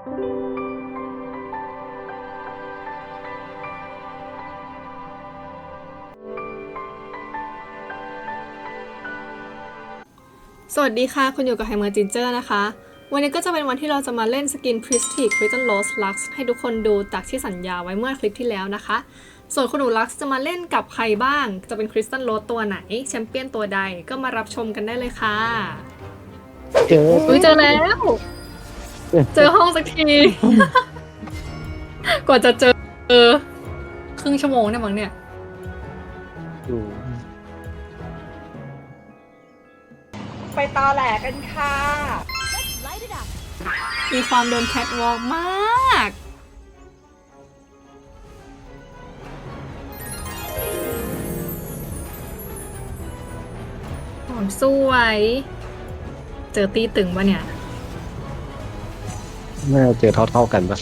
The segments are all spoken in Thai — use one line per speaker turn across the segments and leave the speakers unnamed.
สวัสดีค่ะคุณอยู่กับไฮเมอร์จินเจอร์นะคะวันนี้ก็จะเป็นวันที่เราจะมาเล่นสกิน Prestige Crystal Rose Lux ให้ทุกคนดูจากที่สัญญาไว้เมื่อคลิปที่แล้วนะคะส่วนคุณหนู Lux จะมาเล่นกับใครบ้างจะเป็น Crystal Rose ตัวไหนแชมเปี้ยนตัวใดก็มารับชมกันได้เลยค่ะเจอแล้วเจอห้องสักที กว่าจะเจอครึ่งชั่วโมงเนี่ยมั้งเนี่ย
ไปตอแหลกันค่ะ
มีความเดินแคทวอล์กมากหอมสวยเจอตีตึงปะเนี่ย
น่าจะเจอเท่าๆกันปะ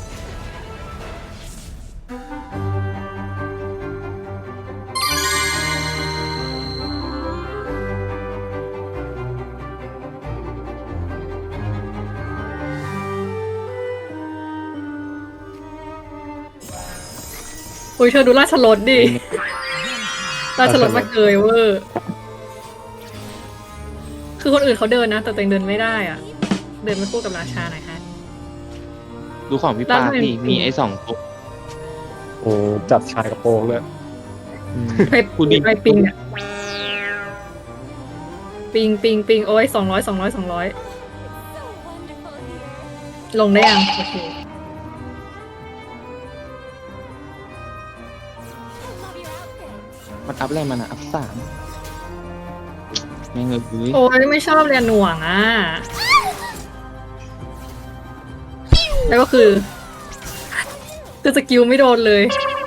อุ้ยเธอดูราชรถดิ ราชรถมาเกยเวอร์คือคนอื่นเขาเดินนะแต่ตัวเองเดินไม่ได้อ่ะเดินไม่คู่กับราชาหน่อยฮะ
ดูของพี่ปาพี่มีไอ้สองตัว
โอ้จับชายกระโปรงเลย
ไปไปปิงอ่ะปิงโอ้ย200ลงได้ยังโอเค
มันอัพอะไรมันอะอัพ3ไม่เงยเลย
โอ้ยไม่ชอบเรียนหน่วงอ่ะแล้วก็คือสกิลไม่โดนเลย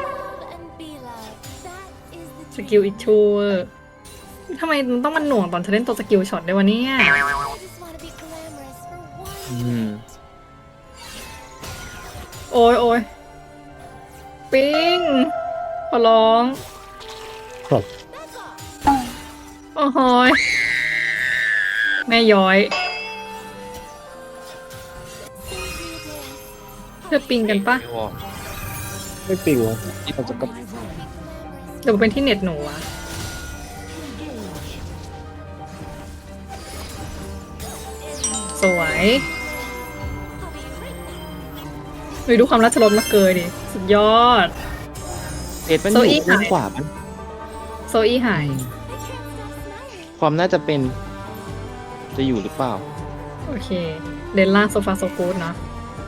สกิลอิชูทำไมมันต้องมันหน่วงตอนเธอเล่นตัวสกิลช็อตด้วยวะเนี่ย โอ้ยปิงขอร้อง
ครับ
โอ้โหยแม่ย้อยเธอปิงกันปะ
ไม่ปิงวะมันจะกระ
หรือเป็นที่เน็ตหนูวะสวยดูความราชรถมาเกยดิสุดยอด
เอ็ดมันอยู่ด้านขวาปะ
โซอี้หาย
ความน่าจะเป็นจะอยู่หรือเปล่า
โอเคเลนล่างโซฟาโซกูดเนาะ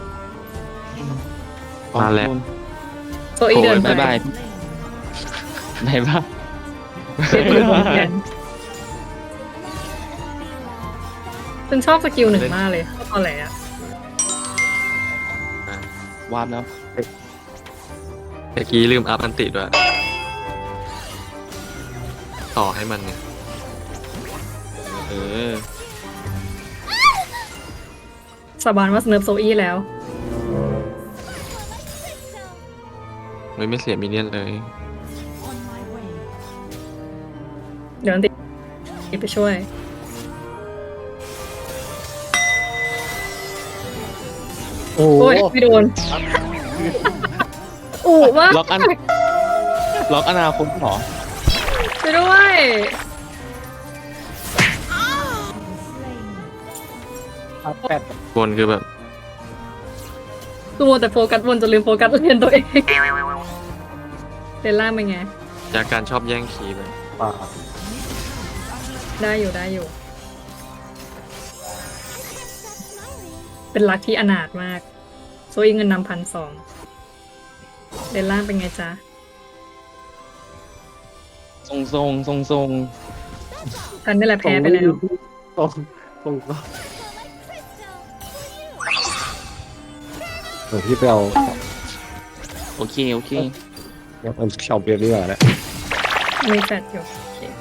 มาแล้ว
โซอี้เดินไป
บ๊ายบายไหนบ้าง
ฉันชอบสกิลหนึ่งมากเลยตอนแหลอะ
วาร์ปแล้ว
เมื่อกี้ลืมอัพอันติด้วย ต่อให้มันเนี่ย
เออ
สาบานว่าสเนิร์ฟโซอี้แล้ว
ไม่เสียมินเนี่ยนเลย
เดี๋ยวอันติไปช่วยโอ้ยไม่โดนอู้ว่า
ล็อกอนาคตเหรอ
ไปด้วย
แปด
บนคือแบบ
คือมัวแต่โฟกัสบนจนลืมโฟกัสเรียนตัวเองเรนล่างเป็นไง
จากการชอบแย่งคีย์ไป
ป่า
ได้อยู่ เป็นรักที่อนาถมากโซอีเงินนำ1,200เรนล่างเป็นไงจ๊ะ
ทรง
กันนี่แหละแพ้ไปแล้ว
ตรงที่ไปเอา
โอเค
มันชอบเรียนนี่แหละ
มีแฟดอยู่โอเค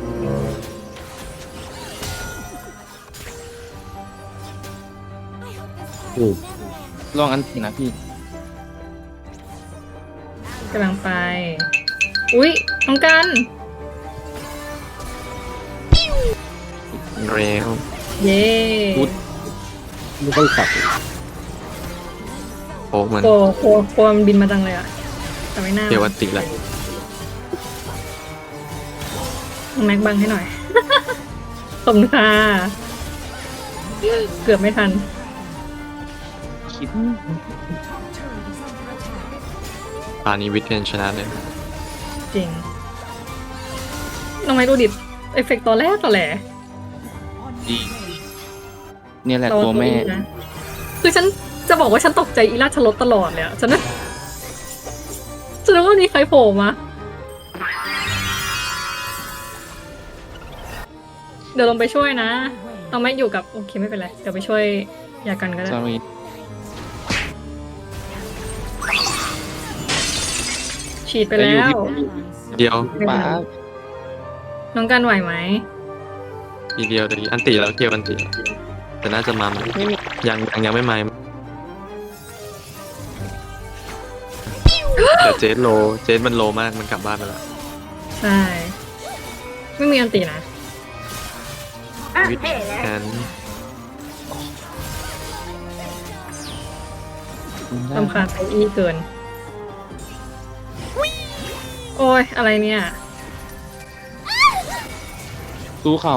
ลองอันตินะพี่
กำลังไป อุ๊ยน้องกัน
เร็ว
เย้
พูด
ไม่ต้องขับ
ป๊กมัน
โกมันบินมาจังเลยอะแต่ไม่น่า
เดี๋ยวอันติแหละ
น้องแม็กบังให้หน่อย ขอบคุณค่ะเกือบไม่ทัน
คิด
ตอนนี้วิทเทนชนะเลย
จริง น้องแม็กดูดิเอฟเฟกต์ตอนแรกต่อแหล
ดีเนี่ยแหละตัวแม่
นะคือฉันจะบอกว่าฉันตกใจอีราชรถตลอดเลยอะฉันนึกว่ามีใครโผล่มา เดี๋ยวลงไปช่วยนะน้องแม็กอยู่กับโอเคไม่เป็นไร เดี๋ยวไปช่วยยากันก็ได้
sorry
ฉีดไปแล้ว
เดียว
ป้า
น้องกันไหวไหม
ทีเดียวแต่อันติแล้วเกียวอันติแล้วแต่น่าจะมาใหม่
ไม่มี
ยังไม่มาแต่เจสโลเจสมันโลมากมันกลับบ้านไปแล้ว
ใช่ ไม่มีอันตีนะ
วิทแอน
ลำคาญไซอี้เกิน โอ้ย อะไรเนี่ย
สู้เขา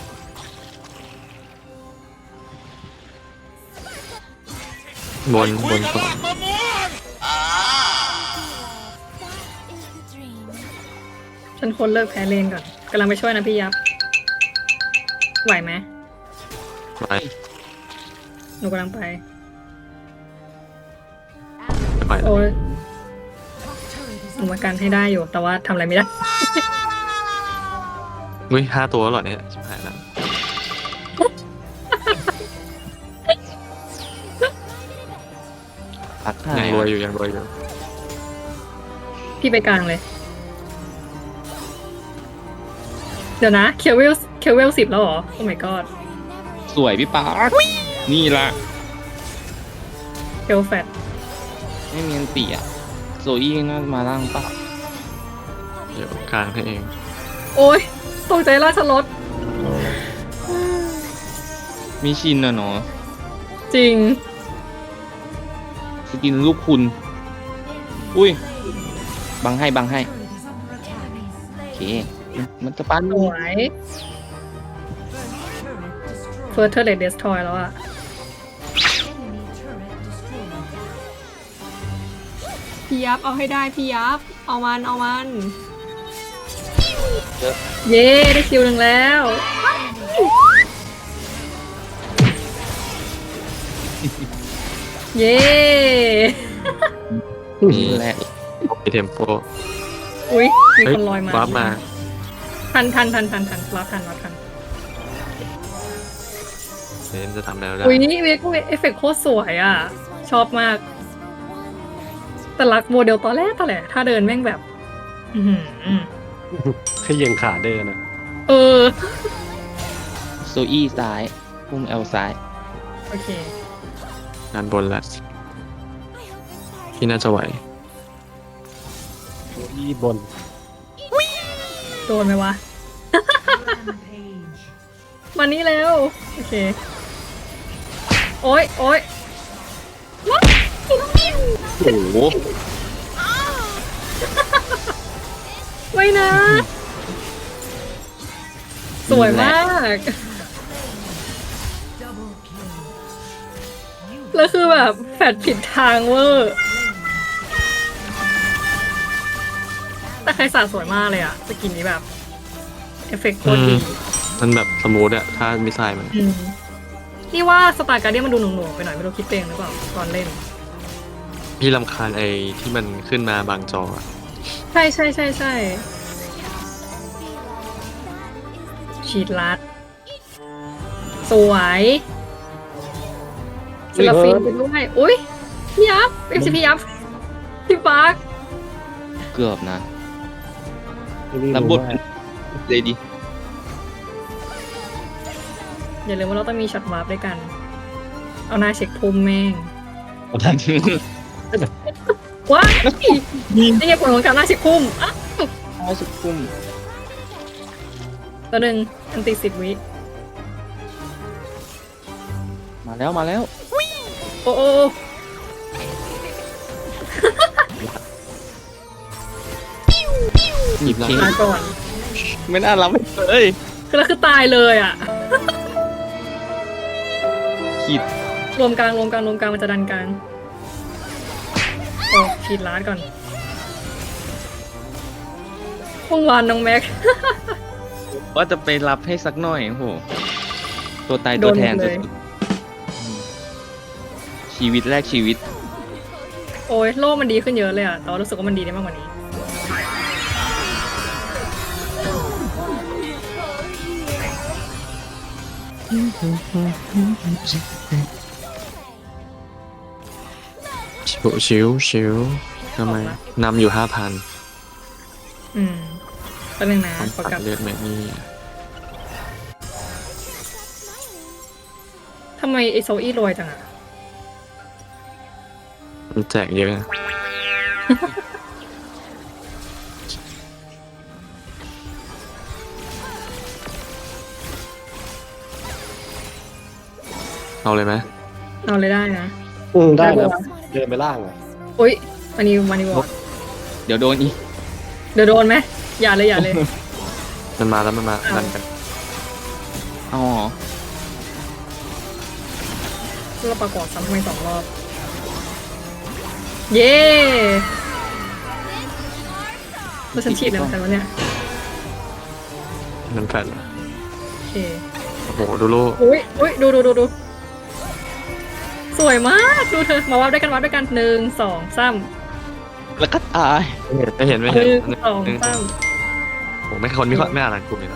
บนก่อน
ฉันคนเลิกแพ้เลนก่อนกำลังไปช่วยนะพี่ยับ ไหวไหม
ไป
หนูกำลังไป
ไป
โอ้ยหนูมากันให้ได้อยู่ แต่ว่าทำอะไรไม่ได้
อุ้ย5 ตัวแล้วเหรอเนี่ยชิบหายแล้ว
ตักหา
ยัง
ย
รวยอยู่ยังรวยอยู่
พี่ไปกลางเลย เดี๋ยวนะเคเวล10 แล้วเหรอ โอ้ my god
สวยพี่ป้านี่ละ
เคลแฟต
ไม่มีอันตีอะโซอี้น่าจะมาล่างปะ
เดี๋ยวกลางให้เอง
โอ้ยตกใจราชรถ
มีชินอะเนาะ
จริง
สกินลูกคุณ อุ้ย บังให้โอเค มันจะปั้น
สวยเฟิร์สเทอร์เลดเดสทอยแล้วอะพี่ยับเอาให้ได้พี่ยับ เอามัน เย้ได้คิวหนึ่งแล้ว เย้
นี่แหละ
มีเทมโป
อุ้ยมีคนลอยมา
วาร์ปมา
ทันรับทัน
เน้นจะทำแล้วได้
อุ้ยนี่เอฟเฟกต์โคตรสวยอ่ะ ชอบมาก แต่รักโมเดลตอนแรกถ้าเดินแม่งแบบ อือหือ
ขยิงขาเดินนะ
เออ
โซอี้ซ้ายพุ่มเอลซ้าย
โอเค
งานบนแล้วที่น่าจะไหว
ที่บน
โดนไหมวะ มานี่แล้ว โอเค โอ๊ย
โอ้โห
ไม่นะ สวยมาก แล้วคือแบบแฟดผิดทางเวอร์ แต่ใครสาสวยมากเลยอะสกินนี้แบบ เอฟเฟกต์โคตรดี
มันแบบสมูทอะถ้ามิสไซล์มัน
อืมนี่ว่าสตาร์การ์เดียนมันดูหน่วงๆไปหน่อยไม่รู้คิดเองหรือเปล่าตอนเล่น
พี่รำคาญไอ้ที่มันขึ้นมาบางจออะ
ใช่ฉีดลัด สวยศิลปินไปด้วย อุ้ยพี่ยับไม่ใช่พี่ยับ พี่ปาร์ค
เกือบนะ
ที่นี่
รับบ
รู้
ท
ว่า
เลยดิ
อย่าลืมว่าเราต้องมีช็อตวาร์ปด้วยกัน เอาหน้าเช็คภูมิแม่ง ว้ายนี่ไงผลของการหน้าเช็คภูมิอ่ะ
เอาสุดคุ้ม
ตัวหนึ่งอันติ10 วิ
มาแล้ว
โอ้
หยิบเค้ก
มาก่อน
ไม่น่ารับเลย
คือแล้วคือตายเลยอ่ะ
ขีด
รวมกลางมันจะดันกลางโอ้ขีดล้านก่อนเมื่อวานน้องแม็ก
ว่าจะไปรับให้สักหน่อยโอ้โหตัวตาย
โด
ตัวน แทน
หมดเลย
สุดๆชีวิตแรกชีวิต
โอ้ยโลกมันดีขึ้นเยอะเลยอ่ะแต่ว่ารู้สึกว่ามันดีได้มากกว่านี้
ชิวทำไมนำอยู่5,000
อืมเป็นหนึ่งนะ
ต้อง
ขอ
ตั
กลั
ด
บ
เลือดแม่นี่
ทำไมไอโซอี้รวยจังอ่ะ
มันแจกเยอะนะเอาเลยไหม
เอาเลยได้นะ
ได้
ได้
แล้ว
ปะ
เดินไปล่างอ่ะ
อุ้ยอันนี้วันนี้วอ
เดี๋ยวโดนอีก
เดี๋ยวโดนไหมอย่าเลยอย่าเลย
มันมาแล้วมันมาดันกัน
อ๋อ
เราประกอบซ้ำทำไม2 รอบ เย้แล้วฉันฉีดแล้วกันวะเนี่ย
มันแฟดเหรอ
โอเค
โอ้โหดูโล
อุ้ยดูสวยมากดูเธอมาวัดด้วยกัน1 2 3
แล้วก็ตาย
ไม่เห็น
1 2
ผมไม่คนไม่อ่านกลุ่มเลยนะ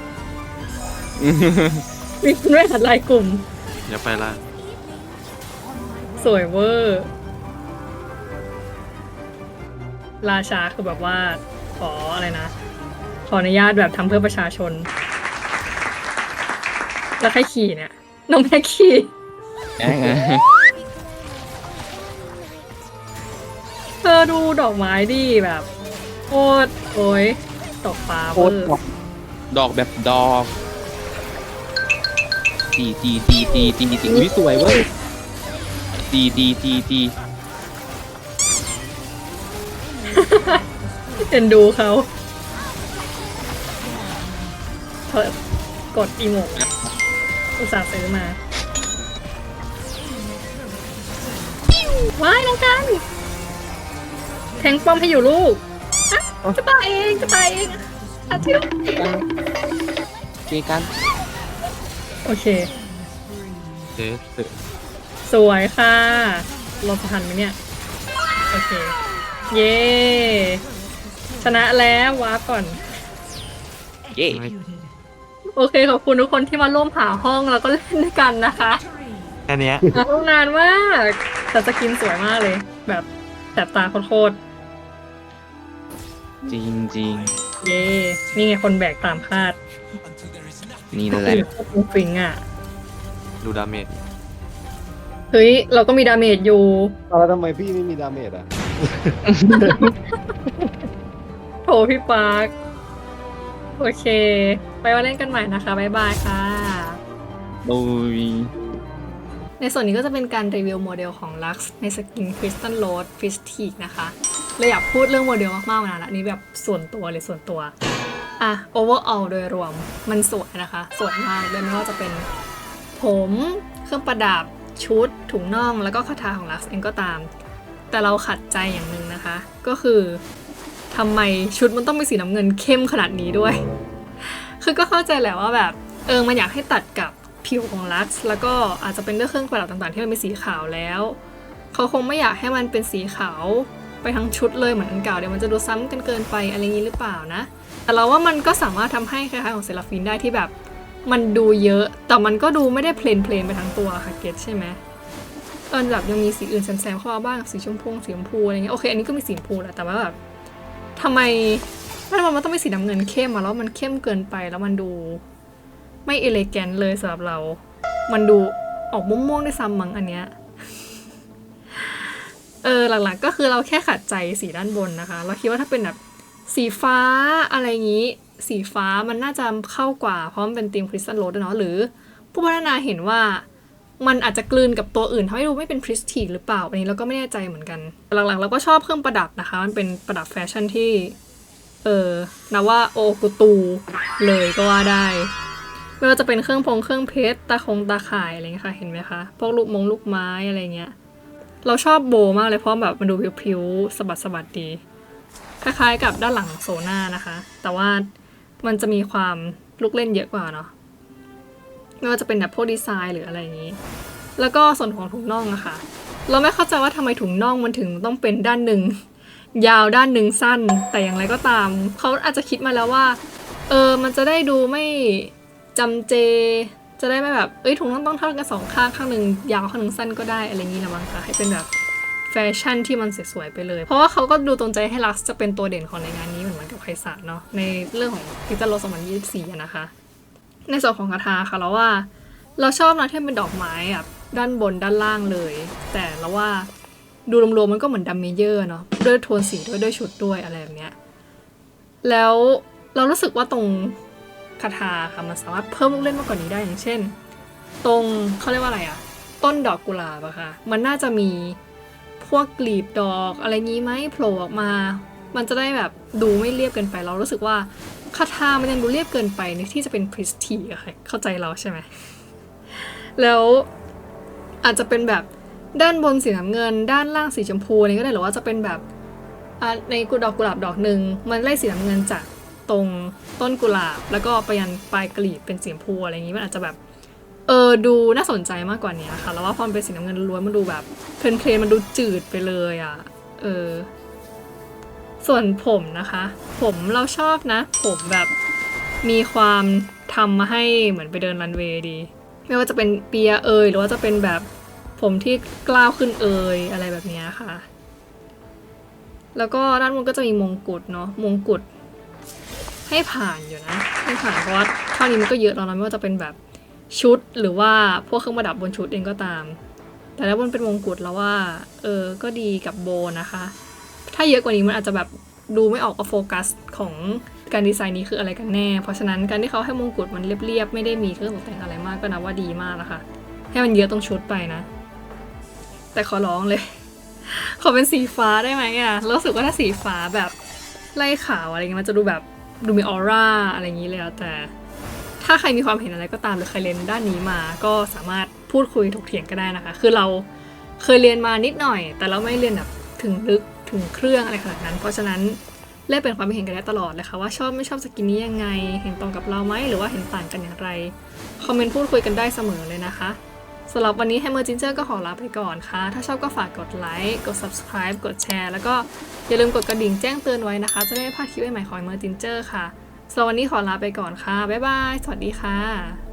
มีคุณแม่หัดลายกลุ่ม
อย่าไปล่าง
สวยเวอร์ ราชาคือแบบว่า ขออะไรนะ ขออนุญาตแบบทำเพื่อประชาชน แล้วใครขี่เนี่ย น้องแม่ขี่
แง่ไง
เธอดูดอกไม้ดิแบบโคตรโอ้ยตกฟ้าเวอร์
ดอกแบบดอกตีอุ้ยสวยเว้ยตี
เอ็นดูเขาเธอกดอีโมกอุตส่าห์ซื้อมา ว้ายน้องกัน แทงป้อมให้อยู่ลูกอ่ะจะตายเองอาทิตย์
เจกัน
โอเค
เจ๊ตึก
สวยค่ะเราจะทันไหมเนี่ย โอเค เย้ ชนะแล้ววาร์ปก่อน
เย้
โอเค ขอบคุณทุกคนที่มาร่วมหาห้องแล้วก็เล่นด้วยกันนะคะ
แค่เนี้ย
หาห้องนานมากแต่สกินสวยมากเลย แบบแสบตาโคตร
จริง
ๆเย้ นี่ไงคนแบกตามคาด
นี่นั่นแหละ
ฟิงอ่ะ
ดูดาเมจ
เฮ้ย เราก็มีดาเมจอยู่
แล้วทำไมพี่ไม่มีดาเมจอ่ะ
โถพี่ปาร์คโอเค ไปว่าเล่นกันใหม่นะคะ บ๊ายบายค่ะ
โดย
ในส่วนนี้ก็จะเป็นการรีวิวโมเดลของ Lux ในสกิน Crystal Rose Prestige นะคะเลยอยากพูดเรื่องโมเดลมากๆมานานแล้วอันนี้แบบส่วนตัวเลยส่วนตัว อ่ะ overall โดยรวมมันสวยนะคะ สวยมากเลยไม่ว่าจะเป็นผมเครื่องประดับชุดถุงน่องแล้วก็คาถาของ Lux เองก็ตาม แต่เราขัดใจอย่างหนึ่งนะคะ ก็คือทำไมชุดมันต้องเป็นสีน้ำเงินเข้มขนาดนี้ด้วย คือก็เข้าใจแหละว่าแบบมันอยากให้ตัดกับผิวของลักซ์แล้วก็อาจจะเป็นเรื่องเครื่องประดับต่างๆที่มันเป็นสีขาวแล้วเขาคงไม่อยากให้มันเป็นสีขาวไปทั้งชุดเลยเหมือนอันเก่าเดี๋ยวมันจะดูซ้ำกันเกินไปอะไรอย่างนี้หรือเปล่านะแต่เราว่ามันก็สามารถทำให้คล้ายๆของเซราฟินได้ที่แบบมันดูเยอะแต่มันก็ดูไม่ได้เพลนไปทั้งตัวค่ะเก็ตใช่ไหมแบบยังมีสีอื่นแซมๆเข้ามาบ้างสีชมพูอะไรเงี้ยโอเคอันนี้ก็มีสีชมพูแหละแต่ว่าแบบทำไมมันต้องเป็นสีน้ำเงินเข้มมาแล้วมันเข้มเกินไปแล้วมันดูไม่เอเลแกนเลยสำหรับเรา มันดูออกม่วงๆด้วยซ้ำมั้งอันเนี้ย หลักๆก็คือเราแค่ขัดใจสีด้านบนนะคะ เราคิดว่าถ้าเป็นแบบสีฟ้าอะไรอย่างนี้ สีฟ้ามันน่าจะเข้ากว่าเพราะมันเป็นธีมคริสตัลโรสด้วยเนาะหรือผู้พัฒนาเห็นว่ามันอาจจะกลืนกับตัวอื่นทำให้ดูไม่เป็นพริสทีหรือเปล่าอันนี้เราก็ไม่แน่ใจเหมือนกันหลังๆเราก็ชอบเครื่องประดับนะคะมันเป็นประดับแฟชั่นที่นับว่าโอกุตูเลยก็ว่าได้ไม่ว่าจะเป็นเครื่องเพชรตาข่ายอะไรเงี้ยค่ะเห็นไหมคะพวกลูกไม้อะไรเงี้ยเราชอบโบมากเลยเพราะแบบมันดูพริ้วๆสะบัดดีคล้ายๆกับด้านหลังโซน่านะคะแต่ว่ามันจะมีความลูกเล่นเยอะกว่าเนาะไม่ว่าจะเป็นแบบพวกดีไซน์หรืออะไรอย่างนี้แล้วก็ส่วนของถุงน่องอะค่ะเราไม่เข้าใจว่าทำไมถุงน่องมันถึงต้องเป็นด้านหนึ่งยาวด้านหนึ่งสั้นแต่อย่างไรก็ตามเขาอาจจะคิดมาแล้วว่ามันจะได้ดูไม่จำเจจะได้ไม่แบบถุงน่องต้องเท่ากันสองข้างข้างหนึ่งยาวข้างหนึ่งสั้นก็ได้อะไรอย่างนี้ละมั้งคะให้เป็นแบบแฟชั่นที่มันสวยๆไปเลยเพราะว่าเขาก็ดูตรงใจให้ลักซ์จะเป็นตัวเด่นของในงานนี้เหมือนกับไคซาเนาะในเรื่องของพิจารณา2024นะคะในส่วนของคาถาค่ะเราว่าเราชอบนะที่เป็นดอกไม้แบบด้านบนด้านล่างเลยแต่เราว่าดูรวมๆมันก็เหมือนดัมเมเยอร์เนาะด้วยโทนสีด้วยชุดด้วยอะไรแบบเนี้ยแล้วเรารู้สึกว่าตรงคาถาค่ะมันสามารถเพิ่มลูกเล่นมากกว่านี้ได้อย่างเช่นตรงเขาเรียกว่าอะไรอะต้นดอกกุหลาบอะค่ะมันน่าจะมีพวกกลีบดอกอะไรงี้ไหมโผล่ออกมามันจะได้แบบดูไม่เรียบเกินไปเรารู้สึกว่าคาถามันยังดูเรียบเกินไปในที่จะเป็นพริสทีอะค่ะเข้าใจเราใช่ไหมแล้วอาจจะเป็นแบบด้านบนสีน้ำเงินด้านล่างสีชมพูอะไรก็ได้หรือว่าจะเป็นแบบในดอกกุหลาบดอกหนึ่งมันไล่สีน้ำเงินจากตรงต้นกุหลาบแล้วก็ไปยันปลายกลีบเป็นสีชมพูอะไรอย่างนี้มันอาจจะแบบดูน่าสนใจมากกว่านี้ค่ะแล้วว่าพอมันเป็นสีน้ำเงินล้วนมันดูแบบเพลนมันดูจืดไปเลยอ่ะส่วนผมนะคะผมเราชอบนะผมแบบมีความทำมาให้เหมือนไปเดินรันเวย์ดีไม่ว่าจะเป็นเปียหรือว่าจะเป็นแบบผมที่กล้าวขึ้นอะไรแบบนี้ค่ะแล้วก็ด้านบนก็จะมีมงกุฎเนาะมงกุฎให้ผ่านอยู่นะให้ผ่านเพราะว่าเท่านี้มันก็เยอะแล้วนะไม่ว่าจะเป็นแบบชุดหรือว่าพวกเครื่องประดับบนชุดเองก็ตามแต่ถ้าบนเป็นมงกุฎแล้วว่าก็ดีกับโบนะคะถ้าเยอะกว่านี้มันอาจจะแบบดูไม่ออกว่าโฟกัสของการดีไซน์นี้คืออะไรกันแน่เพราะฉะนั้นการที่เขาให้มงกุฎมันเรียบๆไม่ได้มีเครื่องตกแต่งอะไรมากก็นับว่าดีมากนะคะให้มันเยอะตรงชุดไปนะแต่ขอร้องเลยขอเป็นสีฟ้าได้ไหมอ่ะรู้สึกว่าถ้าสีฟ้าแบบไล่ขาวอะไรเงี้ยมันจะดูแบบดูมีออร่าอะไรอย่างนี้เลยแต่ถ้าใครมีความเห็นอะไรก็ตามหรือใครเรียนด้านนี้มาก็สามารถพูดคุยถกเถียงก็ได้นะคะคือเราเคยเรียนมานิดหน่อยแต่เราไม่เรียนแบบถึงลึกถึงเครื่องอะไรขนาดนั้นเพราะฉะนั้นแลกเป็นความเห็นกันได้ตลอดเลยค่ะว่าชอบไม่ชอบสกินนี้ยังไงเห็นตรงกับเราไหมหรือว่าเห็นต่างกันอย่างไรคอมเมนต์พูดคุยกันได้เสมอเลยนะคะสำหรับวันนี้ Hammer Ginger ก็ขอลาไปก่อนค่ะถ้าชอบก็ฝากกดไลค์กด subscribe กดแชร์แล้วก็อย่าลืมกดกระดิ่งแจ้งเตือนไว้นะคะจะได้ไม่พลาดคลิปใหม่ๆของ Hammer Ginger ค่ะสำหรับวันนี้ขอลาไปก่อนค่ะบ๊ายบายสวัสดีค่ะ